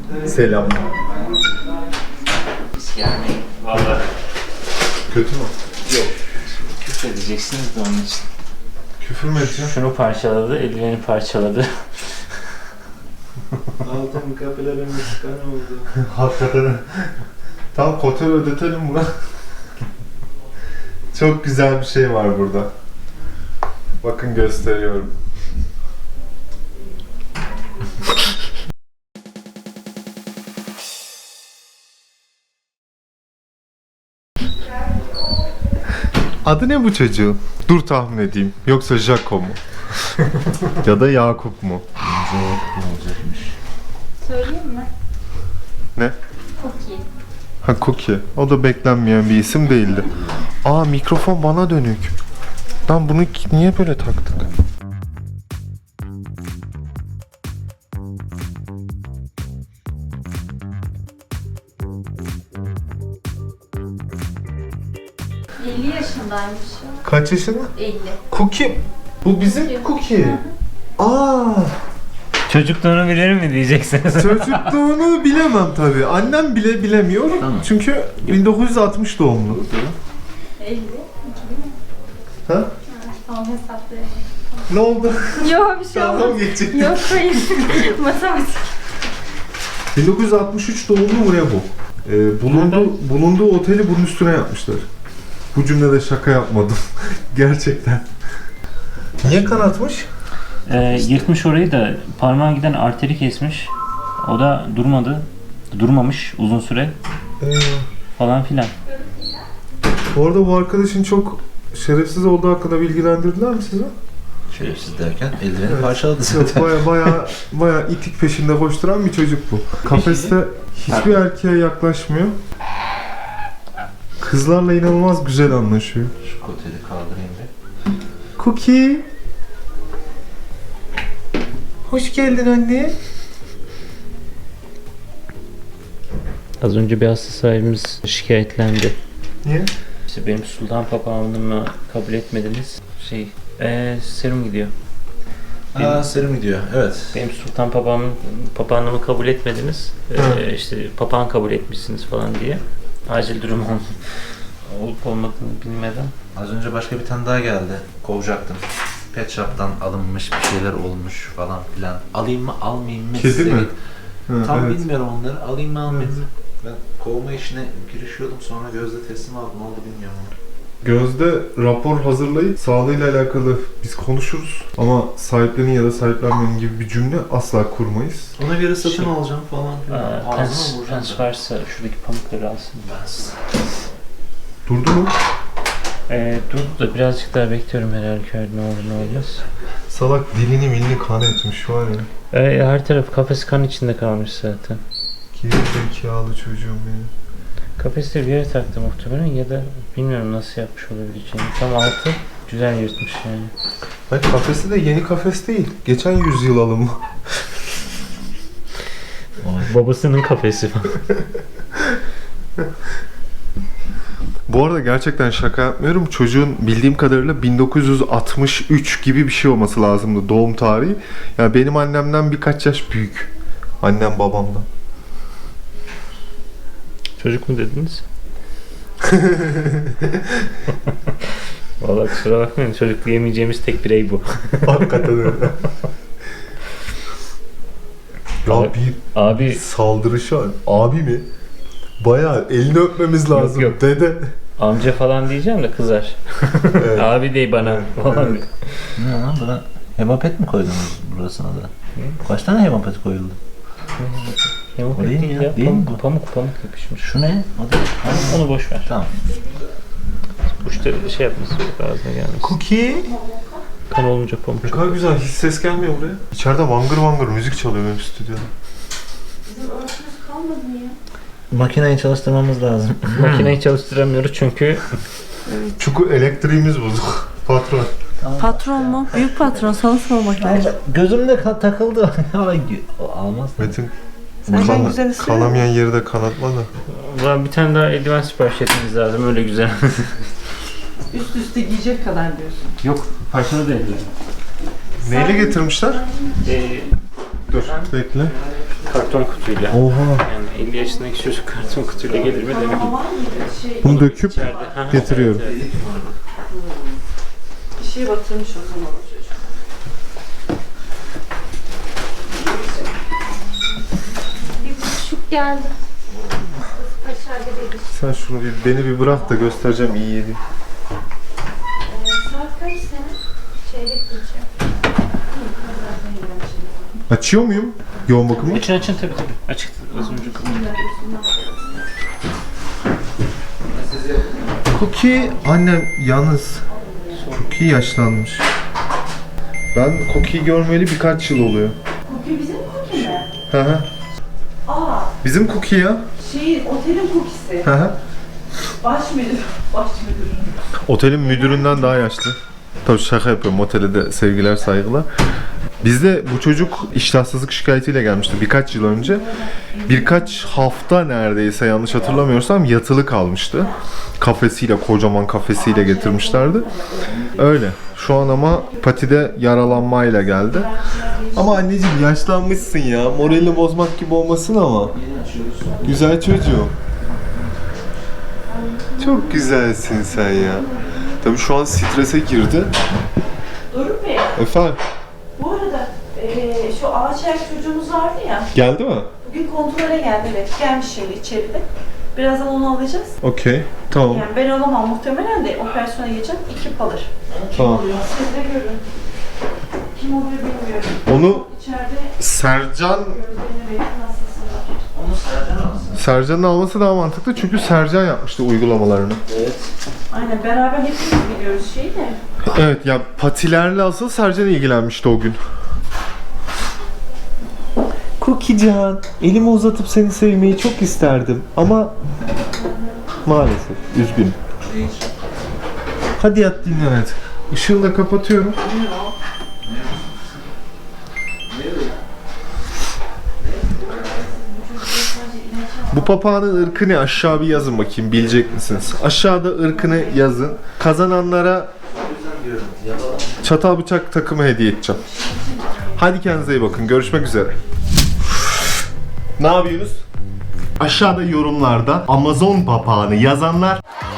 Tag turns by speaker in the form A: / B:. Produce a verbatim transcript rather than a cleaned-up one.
A: Selam.
B: Yani valla
A: Kötü mü?
B: yok. Küfür edeceksiniz de onun için.
A: Küfür mü edeceğim?
B: Şunu parçaladı, eldiveni parçaladı.
C: Altın kapılarımız kan oldu.
A: Hakikaten. Tam kotor ödetelim buna. Çok güzel bir şey var burada. Bakın gösteriyorum. Adı ne bu çocuğun? Dur tahmin edeyim. Yoksa Jaco mu? Ya da Yakup mu?
D: Söyleyeyim mi?
A: Ne?
D: Cookie.
A: Ha, Cookie. O da beklenmeyen bir isim değildi. Aa, mikrofon bana dönük. Lan bunu ki- niye böyle taktık?
D: elli yaşındaymış o.
A: Kaç yaşında?
D: elli.
A: Cookie. Bu bizim Cookie. Aa,
B: Çocukluğunu bilir mi diyeceksiniz?
A: çocukluğunu bilemem tabii. Annem bile bilemiyor.
B: Tamam.
A: Çünkü bin dokuz yüz altmış doğumlu.
D: elli. iki bin.
A: Ha?
D: Tamam hesaplayalım.
A: Ne oldu?
D: Yok bir şey
A: Dalga
D: olmaz.
A: mı geçecek?
D: Yok hayır. Matematik.
A: bin dokuz yüz altmış üç doğumlu mu ne bu? Ee, bulundu, bulunduğu oteli bunun üstüne yapmışlar. Bu cümlede şaka yapmadım. Gerçekten. Niye kanatmış?
B: Ee, yırtmış orayı da parmağa giden arteri kesmiş. O da durmadı. Durmamış uzun süre
A: Ee,
B: falan filan.
A: bu arada bu arkadaşın çok şerefsiz olduğu hakkında bilgilendirdiler mi size?
C: Şerefsiz derken eldiveni
A: Evet.
C: parçaladı
A: Yok,
C: zaten.
A: baya baya baya itik peşinde koşturan bir çocuk bu. Kafeste hiçbir erkeğe yaklaşmıyor. Kızlarla inanılmaz güzel anlaşıyor.
C: Şu koteli kaldırayım bir.
A: Cookie. Hoş geldin anne.
B: Az önce bir hasta sahibimiz şikayetlendi.
A: Niye?
B: İşte benim sultan papağanımı kabul etmediniz. Şey, ee, serum gidiyor.
C: Aa serum gidiyor. Evet.
B: Benim sultan papağanımı, papağanımı kabul etmediniz.
A: Hı.
B: Ee, işte papağan kabul etmişsiniz falan diye. Acil durum ol- olup olmadığını bilmeden.
C: Az önce başka bir tane daha geldi. Kovacaktım. Pet shop'tan alınmış bir şeyler olmuş falan filan. Alayım mı almayayım mı?
A: Kedi
C: size
A: mi?
C: git.
A: Ha,
C: Tam
A: evet.
C: bilmiyorum onları. Alayım mı almayayım mı? Ben kovma işine girişiyordum. Sonra Gözde teslim aldım. Ne oldu bilmiyorum.
A: Gözde rapor hazırlayıp sağlığıyla alakalı biz konuşuruz ama sahiplenin ya da sahiplenmenin gibi bir cümle asla kurmayız.
C: Ona göre satın
B: Şey-
C: alacağım falan filan.
B: Aa,
C: Ağzıma
B: pens,
C: vuracağım.
B: pens varsa şuradaki pamukları alsın.
A: Durdu mu?
B: Ee, dur da birazcık daha bekliyorum her halükarda ne olur ne olmaz.
A: Salak dilini milini kan etmiş var ya.
B: Ee, her taraf kafes kan içinde kalmış zaten.
A: Geri zekalı çocuğum benim.
B: Kafeste bir yere taktı muhtemelen ya da bilmiyorum nasıl yapmış olabileceğini. Tam altı güzel yırtmış yani.
A: Hayır, kafesi de yeni kafes değil. Geçen yüzyıl alımı.
B: Babasının kafesi falan.
A: Bu arada gerçekten şaka yapmıyorum. Çocuğun bildiğim kadarıyla bin dokuz yüz altmış üç gibi bir şey olması lazımdı doğum tarihi. Yani benim annemden birkaç yaş büyük. Annem babamdan.
B: Çocuk mu dediniz? Vallahi kusura bakmayın çocuk diyemeyeceğimiz tek birey bu.
A: Hakikaten öyle. Ya
B: Abi-
A: bir
B: Abi
A: saldırışı var. Abi mi? Bayağı elini öpmemiz lazım.
B: yok.
A: Dede.
B: amca falan diyeceğim de kızar.
A: Evet.
B: Abi dey bana falan.
A: Evet.
C: Ne lan buna? Hemapet mi koydunuz burasına da? Kaç tane hemapet koyuldu?
B: Yamuk
C: O değil
B: değil
C: mi ya?
B: ya.
C: Değil mi
B: Pamuk,
C: bu?
B: pamuk pamuk yapışmış.
C: Şu ne? O da. Ha,
B: Onu boş ver.
C: Tamam.
B: Uçta şey yapması yok ağzına gelmesin.
A: Cookie.
B: Kan olunca pamuk.
A: Ne kadar güzel. Hiç ses gelmiyor buraya. İçeride vangır vangır müzik çalıyor benim stüdyoda.
D: Bizim örtümüz kalmadı mı ya?
C: Makineyi çalıştırmamız lazım.
B: Makineyi çalıştıramıyoruz çünkü
A: Çünkü elektriğimiz bozuk. Patron.
E: Patron mu? Büyük patron. Sana sormak lazım.
C: Gözümde ka- takıldı. O almaz.
A: Metin.
E: Sen
A: kana-
E: güzel istiyor
A: kanamayan yeri de kanatma da.
B: Ulan bir tane daha eldiven sipariş etmeniz lazım öyle güzel.
E: Üst üste giyecek kadar diyorsun.
B: Yok parçalı değil.
A: Neyle getirmişler?
B: Ee,
A: Dur bekle.
B: kart karton kutuyla.
A: Oha.
B: Yani elli yaşındaki çocuk karton kutuyla gelir mi demek.
E: Ama var mıydı? Şey,
A: Bunu döküp
B: İçeride. Ha,
A: getiriyorum.
B: evet, evet.
E: bir şey batırmış o zaman o çocuk.
D: Bir buçuk geldi. Aşağıda değil.
A: Sen şunu bir, beni bir bırak da göstereceğim iyi yedi.
D: Ee, saat kaç senin? Çeyrek geçiyor.
A: Açıyor muyum yoğun bakımı?
B: Açın açın tabii tabii. Açık. Az önce kapattım.
A: Cookie annem yalnız çok iyi yaşlanmış. Ben Cookie'yi görmeyeli birkaç yıl oluyor.
E: Cookie bizim cookie mi?
A: Hı hı.
E: Aa,
A: Bizim Cookie ya.
E: şey otelin cookie'si.
A: Hı hı.
E: Baş müdür. Baş müdür.
A: Otelin müdüründen daha yaşlı. Tabii şaka yapıyorum. Otele de sevgiler, saygılar. Bizde bu çocuk iştahsızlık şikayetiyle gelmişti birkaç yıl önce. Birkaç hafta neredeyse yanlış hatırlamıyorsam yatılı kalmıştı. Kafesiyle, kocaman kafesiyle getirmişlerdi. Öyle. Şu an ama patide yaralanmayla geldi. Ama anneciğim yaşlanmışsın ya. Moralini bozmak gibi olmasın ama. Güzel çocuğum. Çok güzelsin sen ya. Tabii şu an strese girdi.
E: Doruk Bey,
A: Efendim,
E: bu arada eee, şu ağaç ayak çocuğumuz vardı ya.
A: geldi mi?
E: Bugün kontrole geldi, evet. Gelmiş şimdi içeride. Birazdan onu alacağız.
A: Okey, tamam.
E: Yani ben alamam muhtemelen de operasyona geçeceğim. İki alır.
A: Tamam.
E: Siz de görün. Kim oluyor bilmiyorum.
A: Onu
E: İçeride
A: Sercan
E: gözlerine belki hastası var.
C: Onu Sercan alsın.
A: Sercan'ın alması daha mantıklı çünkü Sercan yapmıştı uygulamalarını.
C: Evet.
E: Aynen beraber hepimiz biliyoruz şeyi de.
A: Evet ya patilerle asıl Sercan ilgilenmişti o gün. Cookiecan, elimi uzatıp seni sevmeyi çok isterdim ama maalesef üzgünüm. Hadi yat dinlen hadi. Işığı da kapatıyorum. Bu papağanın ırkı ne? Aşağı bir yazın bakayım, bilecek misiniz? Aşağıda ırkını yazın. Kazananlara çatal bıçak takımı hediye edeceğim. Hadi kendinize iyi bakın. Görüşmek üzere. Ne yapıyorsunuz? Aşağıda yorumlarda Amazon papağanı yazanlar